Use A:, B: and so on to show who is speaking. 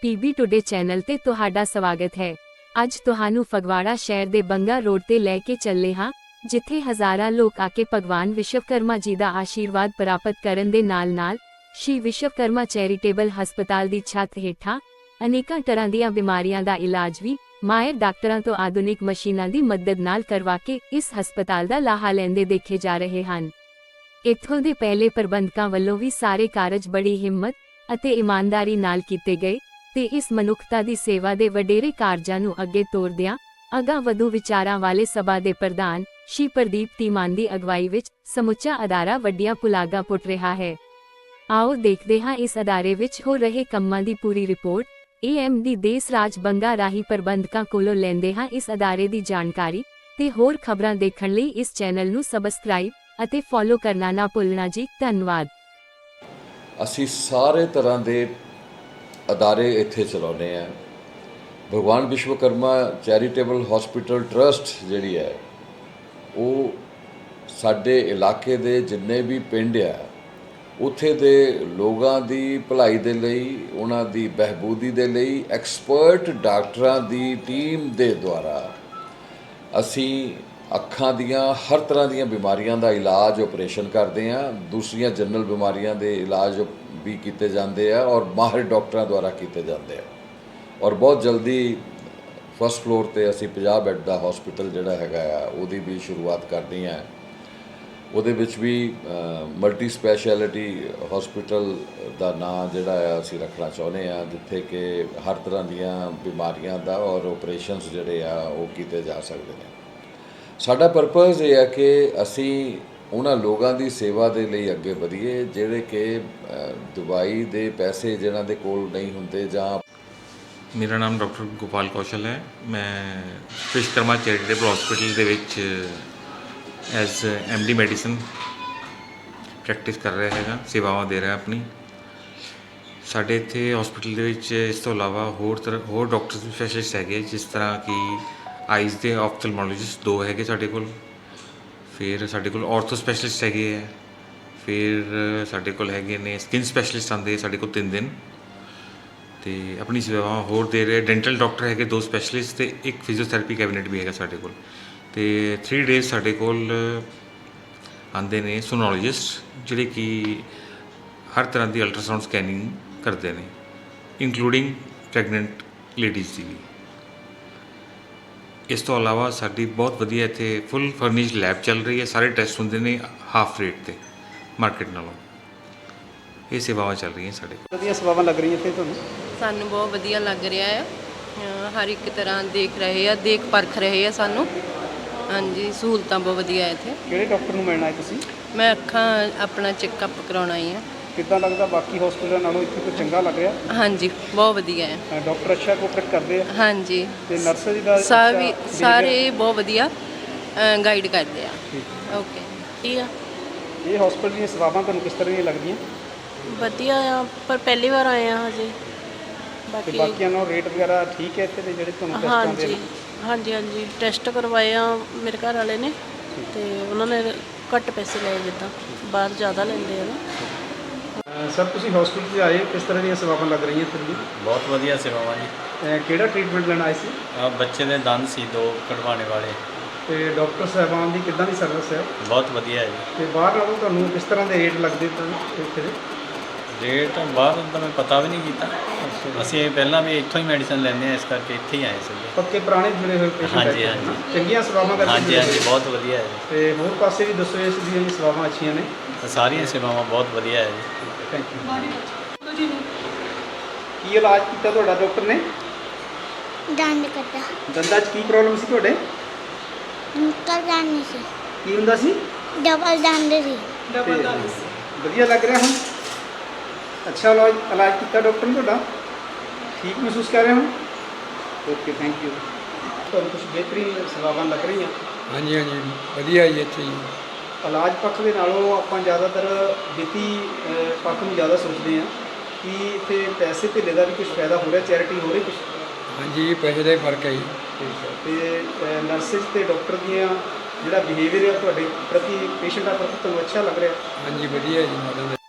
A: PB today channel ਤੇ ਤੁਹਾਡਾ ਸਵਾਗਤ ਹੈ। ਅੱਜ ਤੁਹਾਨੂੰ ਫਗਵਾੜਾ ਸ਼ਹਿਰ ਦੇ ਬੰਗਾ ਰੋਡ ਤੇ ਲੈ ਕੇ ਚੱਲੇ ਹਾਂ, ਜਿੱਥੇ ਹਜ਼ਾਰਾਂ ਲੋਕ ਆ ਕੇ ਭਗਵਾਨ ਵਿਸ਼ਵਕਰਮਾ ਜੀ ਦਾ ਆਸ਼ੀਰਵਾਦ ਪ੍ਰਾਪਤ ਕਰਨ ਦੇ ਨਾਲ-ਨਾਲ ਸ਼੍ਰੀ ਵਿਸ਼ਵਕਰਮਾ ਚੈਰੀਟੇਬਲ ਹਸਪਤਾਲ ਦੀ ਛੱਤ ਹੇਠਾਂ ਅਨੇਕਾਂ ਤਰ੍ਹਾਂ ਦੀਆਂ ਬਿਮਾਰੀਆਂ ਦਾ ਇਲਾਜ ਵੀ ਮਾਹਿਰ ਡਾਕਟਰਾਂ ਤੋਂ ਆਧੁਨਿਕ ਮਸ਼ੀਨਾਂ ਦੀ ਮਦਦ ਨਾਲ ਕਰਵਾ ਕੇ ਇਸ ਹਸਪਤਾਲ ਦਾ ਲਾਹਾ ਲੈਂਦੇ ਦੇਖੇ ਜਾ ਰਹੇ ਹਨ। ਇੱਥੋਂ ਦੇ ਪਹਿਲੇ ਪ੍ਰਬੰਧਕਾਂ ਵੱਲੋਂ ਵੀ ਸਾਰੇ ਕਾਰਜ ਬੜੀ ਹਿੰਮਤ ਅਤੇ ਇਮਾਨਦਾਰੀ ਨਾਲ ਕੀਤੇ ਗਏ ਤੇ ਇਸ ਮਨੁੱਖਤਾ ਦੀ ਸੇਵਾ ਦੇ ਵਡੇਰੇ ਕਾਰਜਾਂ ਨੂੰ ਅੱਗੇ ਤੋਰਦਿਆਂ ਅਗਾਂਹ ਵਧੂ ਵਿਚਾਰਾਂ ਵਾਲੇ ਸਭਾ ਦੇ ਪ੍ਰਧਾਨ ਸ਼੍ਰੀ ਪ੍ਰਦੀਪ ਧੀਮਾਨ ਦੀ ਅਗਵਾਈ ਵਿੱਚ ਸਮੁੱਚਾ ਅਦਾਰਾ ਵੱਡੀਆਂ ਪੁਲਾਗਾਂ ਪੁੱਟ ਰਿਹਾ ਹੈ। ਆਓ ਦੇਖਦੇ ਹਾਂ ਇਸ ਅਦਾਰੇ ਵਿੱਚ ਹੋ ਰਹੇ ਕੰਮਾਂ ਦੀ ਪੂਰੀ ਰਿਪੋਰਟ। ਏਐਮਡੀ ਦੇਸ ਰਾਜ ਬੰਗਾ ਰਾਹੀਂ ਪ੍ਰਬੰਧਕਾਂ ਕੋਲੋਂ ਲੈਂਦੇ ਹਾਂ ਇਸ ਅਦਾਰੇ ਦੀ ਜਾਣਕਾਰੀ ਤੇ ਹੋਰ ਖਬਰਾਂ ਦੇਖਣ ਲਈ ਇਸ ਚੈਨਲ ਨੂੰ ਸਬਸਕ੍ਰਾਈਬ ਅਤੇ ਫੋਲੋ ਕਰਨਾ ਨਾ ਭੁੱਲਣਾ ਜੀ। ਧੰਨਵਾਦ।
B: ਅਸੀਂ ਸਾਰੇ ਤਰ੍ਹਾਂ ਦੇ ਅਦਾਰੇ ਇੱਥੇ ਚਲਾਉਂਦੇ ਹਾਂ। ਭਗਵਾਨ ਵਿਸ਼ਵਕਰਮਾ ਚੈਰੀਟੇਬਲ ਹਸਪੀਟਲ ਟਰਸਟ ਜਿਹੜੀ ਹੈ ਉਹ ਸਾਡੇ ਇਲਾਕੇ ਦੇ ਜਿੰਨੇ ਵੀ ਪਿੰਡ ਆ ਉੱਥੇ ਦੇ ਲੋਕਾਂ ਦੀ ਭਲਾਈ ਦੇ ਲਈ, ਉਹਨਾਂ ਦੀ ਬਹਿਬੂਦੀ ਦੇ ਲਈ ਐਕਸਪਰਟ ਡਾਕਟਰਾਂ ਦੀ ਟੀਮ ਦੇ ਦੁਆਰਾ ਅਸੀਂ ਅੱਖਾਂ ਦੀਆਂ ਹਰ ਤਰ੍ਹਾਂ ਦੀਆਂ ਬਿਮਾਰੀਆਂ ਦਾ ਇਲਾਜ ਆਪਰੇਸ਼ਨ ਕਰਦੇ ਹਾਂ। ਦੂਸਰੀਆਂ ਜਨਰਲ ਬਿਮਾਰੀਆਂ ਦੇ ਇਲਾਜ ਵੀ ਕੀਤੇ ਜਾਂਦੇ ਆ ਔਰ ਮਾਹਿਰ ਡਾਕਟਰਾਂ ਦੁਆਰਾ ਕੀਤੇ ਜਾਂਦੇ ਆ। ਔਰ ਬਹੁਤ ਜਲਦੀ ਫਸਟ ਫਲੋਰ ਤੇ ਅਸੀਂ 50 ਬੈੱਡ ਦਾ ਹਸਪੀਟਲ ਜਿਹੜਾ ਹੈਗਾ ਆ ਉਹਦੀ ਵੀ ਸ਼ੁਰੂਆਤ ਕਰਨੀ ਹੈ। ਉਹਦੇ ਵਿੱਚ ਵੀ ਮਲਟੀ ਸਪੈਸ਼ਲਿਟੀ ਹਸਪੀਟਲ ਦਾ ਨਾਂ ਜਿਹੜਾ ਆ ਅਸੀਂ ਰੱਖਣਾ ਚਾਹੁੰਦੇ ਹਾਂ, ਜਿੱਥੇ ਕਿ ਹਰ ਤਰ੍ਹਾਂ ਦੀਆਂ ਬਿਮਾਰੀਆਂ ਦਾ ਔਰ ਆਪਰੇਸ਼ਨਸ ਜਿਹੜੇ ਆ ਉਹ ਕੀਤੇ ਜਾ ਸਕਦੇ ਨੇ। ਸਾਡਾ ਪਰਪਸ ਇਹ ਹੈ ਕਿ ਅਸੀਂ ਉਹਨਾਂ ਲੋਕਾਂ ਦੀ ਸੇਵਾ ਦੇ ਲਈ ਅੱਗੇ ਵਧੀਏ ਜਿਹੜੇ ਕਿ ਦਵਾਈ ਦੇ ਪੈਸੇ ਜਿਹਨਾਂ ਦੇ ਕੋਲ ਨਹੀਂ ਹੁੰਦੇ। ਜਾਂ
C: ਮੇਰਾ ਨਾਮ ਡਾਕਟਰ ਗੋਪਾਲ ਕੌਸ਼ਲ ਹੈ। ਮੈਂ ਵਿਸ਼ਵਕਰਮਾ ਚੈਰੀਟੇਬਲ ਹਸਪੀਟਲ ਦੇ ਵਿੱਚ ਐਜ਼ ਐਮਡੀ ਮੈਡੀਸਨ ਪ੍ਰੈਕਟਿਸ ਕਰ ਰਿਹਾ ਹੈਗਾ, ਸੇਵਾਵਾਂ ਦੇ ਰਿਹਾ ਆਪਣੀ। ਸਾਡੇ ਇੱਥੇ ਹਸਪੀਟਲ ਦੇ ਵਿੱਚ ਇਸ ਤੋਂ ਇਲਾਵਾ ਹੋਰ ਡਾਕਟਰ ਸਪੈਸ਼ਲਿਸਟ ਹੈਗੇ, ਜਿਸ ਤਰ੍ਹਾਂ ਕਿ ਆਈਜ਼ ਦੇ ਆਪਥਲਮੋਲੋਜਿਸਟ 2 ਹੈਗੇ ਸਾਡੇ ਕੋਲ, ਫਿਰ ਸਾਡੇ ਕੋਲ ਆਰਥੋ ਸਪੈਸ਼ਲਿਸਟ ਹੈਗੇ ਹੈ, ਫਿਰ ਸਾਡੇ ਕੋਲ ਹੈਗੇ ਨੇ ਸਕਿਨ ਸਪੈਸ਼ਲਿਸਟ ਆਉਂਦੇ ਸਾਡੇ ਕੋਲ 3 ਦਿਨ ਅਤੇ ਆਪਣੀ ਸੇਵਾਵਾਂ ਹੋਰ ਦੇ ਰਹੇ। ਡੈਂਟਲ ਡਾਕਟਰ ਹੈਗੇ 2 ਸਪੈਸ਼ਲਿਸਟ ਅਤੇ ਇੱਕ ਫਿਜ਼ੀਓਥੈਰੇਪੀ ਕੈਬਨਿਟ ਵੀ ਹੈਗਾ ਸਾਡੇ ਕੋਲ। ਅਤੇ 3 ਡੇਜ਼ ਸਾਡੇ ਕੋਲ ਆਉਂਦੇ ਨੇ ਸੋਨੋਲੋਜਿਸਟ, ਜਿਹੜੇ ਕਿ ਹਰ ਤਰ੍ਹਾਂ ਦੀ ਅਲਟਰਾਸਾਊਂਡ ਸਕੈਨਿੰਗ ਕਰਦੇ ਨੇ, ਇੰਕਲੂਡਿੰਗ ਪ੍ਰੈਗਨੈਂਟ ਲੇਡੀਜ਼ ਦੀ ਵੀ। ਇਸ ਤੋਂ ਇਲਾਵਾ ਸਾਡੀ ਬਹੁਤ ਵਧੀਆ ਇੱਥੇ ਫੁੱਲ ਫਰਨਿਸ਼ਡ ਲੈਬ ਚੱਲ ਰਹੀ ਹੈ। ਸਾਰੇ ਟੈਸਟ ਹੁੰਦੇ ਨੇ ਹਾਫ ਰੇਟ 'ਤੇ ਮਾਰਕੀਟ ਨਾਲੋਂ। ਇਹ ਸੇਵਾਵਾਂ ਚੱਲ ਰਹੀਆਂ ਸਾਡੇ ਕੋਲ।
D: ਵਧੀਆ ਸੇਵਾਵਾਂ ਲੱਗ ਰਹੀਆਂ ਇੱਥੇ ਤੁਹਾਨੂੰ?
E: ਸਾਨੂੰ ਬਹੁਤ ਵਧੀਆ ਲੱਗ ਰਿਹਾ ਹੈ। ਹਰ ਇੱਕ ਤਰ੍ਹਾਂ ਦੇਖ ਰਹੇ ਆ, ਦੇਖ ਪਰਖ ਰਹੇ ਆ ਸਾਨੂੰ। ਹਾਂਜੀ, ਸਹੂਲਤਾਂ ਬਹੁਤ ਵਧੀਆ ਇੱਥੇ।
D: ਕਿਹੜੇ ਡਾਕਟਰ ਨੂੰ ਮਿਲਣਾ ਹੈ ਤੁਸੀਂ?
E: ਮੈਂ ਅੱਖਾਂ ਆਪਣਾ ਚੈੱਕਅਪ ਕਰਾਉਣ ਆਈ ਹਾਂ।
D: ਕਿੱਦਾਂ ਲੱਗਦਾ ਬਾਕੀ ਹਸਪਤਾਲਾਂ ਨਾਲੋਂ ਇੱਥੇ ਕੋਈ ਚੰਗਾ ਲੱਗ ਰਿਹਾ?
E: ਹਾਂਜੀ, ਬਹੁਤ ਵਧੀਆ ਹੈ।
D: ਡਾਕਟਰ ਅੱਛਾ ਕੋਆਪਰੇਟ ਕਰਦੇ ਆ?
E: ਹਾਂਜੀ,
D: ਤੇ ਨਰਸ ਦਾ
E: ਸਾਰੇ ਬਹੁਤ ਵਧੀਆ ਗਾਈਡ ਕਰਦੇ ਆ। ਓਕੇ, ਠੀਕ ਆ।
D: ਇਹ ਹਸਪਤਾਲ ਦੀਆਂ ਸੇਵਾਵਾਂ ਤੁਹਾਨੂੰ ਕਿਸ ਤਰ੍ਹਾਂ ਦੀਆਂ ਲੱਗਦੀਆਂ?
F: ਵਧੀਆ ਆ, ਪਰ ਪਹਿਲੀ ਵਾਰ ਆਏ ਆ ਹਜੇ।
D: ਤੇ ਬਾਕੀਆਂ ਨਾਲੋਂ ਰੇਟ ਵਗੈਰਾ ਠੀਕ ਹੈ ਇੱਥੇ ਦੇ ਜਿਹੜੇ ਤੁਹਾਨੂੰ ਟੈਸਟ ਆਉਂਦੇ ਨੇ?
F: ਹਾਂਜੀ, ਟੈਸਟ ਕਰਵਾਏ ਆ ਮੇਰੇ ਘਰ ਵਾਲੇ ਨੇ, ਤੇ ਉਹਨਾਂ ਨੇ ਘੱਟ ਪੈਸੇ ਲਏ, ਜਿੱਦਾਂ ਬਾਹਰ ਜ਼ਿਆਦਾ ਲੈਂਦੇ ਆ ਨਾ।
D: ਸਰ, ਤੁਸੀਂ ਹਸਪਤਾਲ 'ਚ ਆਏ, ਕਿਸ ਤਰ੍ਹਾਂ ਦੀਆਂ ਸੇਵਾਵਾਂ ਲੱਗ ਰਹੀਆਂ ਇੱਥੇ ਦੀ?
G: ਬਹੁਤ ਵਧੀਆ ਸੇਵਾਵਾਂ ਜੀ।
D: ਕਿਹੜਾ ਟ੍ਰੀਟਮੈਂਟ ਲੈਣ ਆਏ ਸੀ?
G: ਬੱਚੇ ਦੇ ਦੰਦ ਸੀ 2 ਕਢਵਾਉਣੇ ਵਾਲੇ।
D: ਤੇ ਡਾਕਟਰ ਸਾਹਿਬਾਨ ਦੀ ਕਿੱਦਾਂ ਦੀ ਸਰਵਿਸ ਹੈ?
G: ਬਹੁਤ ਵਧੀਆ ਹੈ ਜੀ।
D: ਤੇ ਬਾਹਰ ਨਾਲੋਂ ਤੁਹਾਨੂੰ ਕਿਸ ਤਰ੍ਹਾਂ ਦੇ ਰੇਟ ਲੱਗਦੇ ਇੱਥੇ ਦੇ?
G: ਰੇਟ ਬਾਹਰ ਦਾ ਮੈਂ ਪਤਾ ਵੀ ਨਹੀਂ ਕੀਤਾ। ਅਸੀਂ ਪਹਿਲਾਂ ਵੀ ਇੱਥੋਂ ਹੀ ਮੈਡੀਸਨ ਲੈਂਦੇ ਹਾਂ, ਇਸ ਕਰਕੇ ਇੱਥੇ ਹੀ ਆਏ ਸੀ।
D: ਪੱਕੇ ਪੁਰਾਣੇ ਜੁੜੇ ਹੋਏ ਪੇਸ਼ੈਂਟ?
G: ਹਾਂਜੀ,
D: ਚੰਗੀਆਂ ਸੇਵਾਵਾਂ ਕਰਦੇ?
G: ਹਾਂਜੀ, ਬਹੁਤ ਵਧੀਆ ਹੈ ਜੀ।
D: ਤੇ ਹੋਰ ਪਾਸੇ ਵੀ ਦੱਸੋ ਇਸ ਦੀਆਂ ਸੇਵਾਵਾਂ ਅੱਛੀਆਂ ਨੇ?
G: ਸਾਰੀਆਂ ਸੇਵਾਵਾਂ ਬਹੁਤ ਵਧੀਆ ਹੈ ਜੀ।
D: Thank you. ਕੀ ਇਲਾਜ ਕੀਤਾ ਤੁਹਾਡਾ ਡਾਕਟਰ ਨੇ?
H: ਦੰਦ ਕੱਟਾ।
D: ਦੰਦਾਂ 'ਚ ਕੀ ਪ੍ਰੋਬਲਮ ਸੀ ਤੁਹਾਡੇ?
H: ਨਿਕਲ ਜਾਂਦੀ ਸੀ।
D: ਕੀ ਹੁੰਦਾ ਸੀ?
H: ਡਬਲ ਦੰਦ ਸੀ।
D: ਵਧੀਆ ਲੱਗ ਰਿਹਾ ਹੁਣ? ਅੱਛਾ ਇਲਾਜ ਕੀਤਾ ਡਾਕਟਰ ਨੇ ਤੁਹਾਡਾ? ਠੀਕ ਮਹਿਸੂਸ ਕਰ ਰਹੇ ਹੋ? Okay, thank you. ਤੁਹਾਨੂੰ ਕੁਝ ਬਿਹਤਰੀਨ ਸੇਵਾਵਾਂ ਲੱਗ ਰਹੀਆਂ?
I: ਹਾਂਜੀ, ਵਧੀਆ ਜੀ ਇੱਥੇ ਜੀ।
D: ਇਲਾਜ ਪੱਖ ਦੇ ਨਾਲੋਂ ਆਪਾਂ ਜ਼ਿਆਦਾਤਰ ਵਿੱਤੀ ਪੱਖ ਨੂੰ ਜ਼ਿਆਦਾ ਸੋਚਦੇ ਹਾਂ ਕਿ ਇੱਥੇ ਪੈਸੇ ਧੇਲੇ ਦਾ ਵੀ ਕੁਝ ਫਾਇਦਾ ਹੋ ਰਿਹਾ, ਚੈਰਿਟੀ ਹੋ ਰਹੀ ਕੁਝ?
I: ਹਾਂਜੀ, ਪੈਸੇ ਦਾ ਹੀ ਫਰਕ ਹੈ ਜੀ।
D: ਠੀਕ ਹੈ। ਅਤੇ ਨਰਸਿਸ ਅਤੇ ਡਾਕਟਰ ਦੀਆਂ ਜਿਹੜਾ ਬਿਹੇਵੀਅਰ ਹੈ ਤੁਹਾਡੇ ਪ੍ਰਤੀ, ਪੇਸ਼ੈਂਟਾਂ ਪ੍ਰਤੀ ਤੁਹਾਨੂੰ ਅੱਛਾ ਲੱਗ ਰਿਹਾ?
I: ਹਾਂਜੀ, ਵਧੀਆ ਜੀ।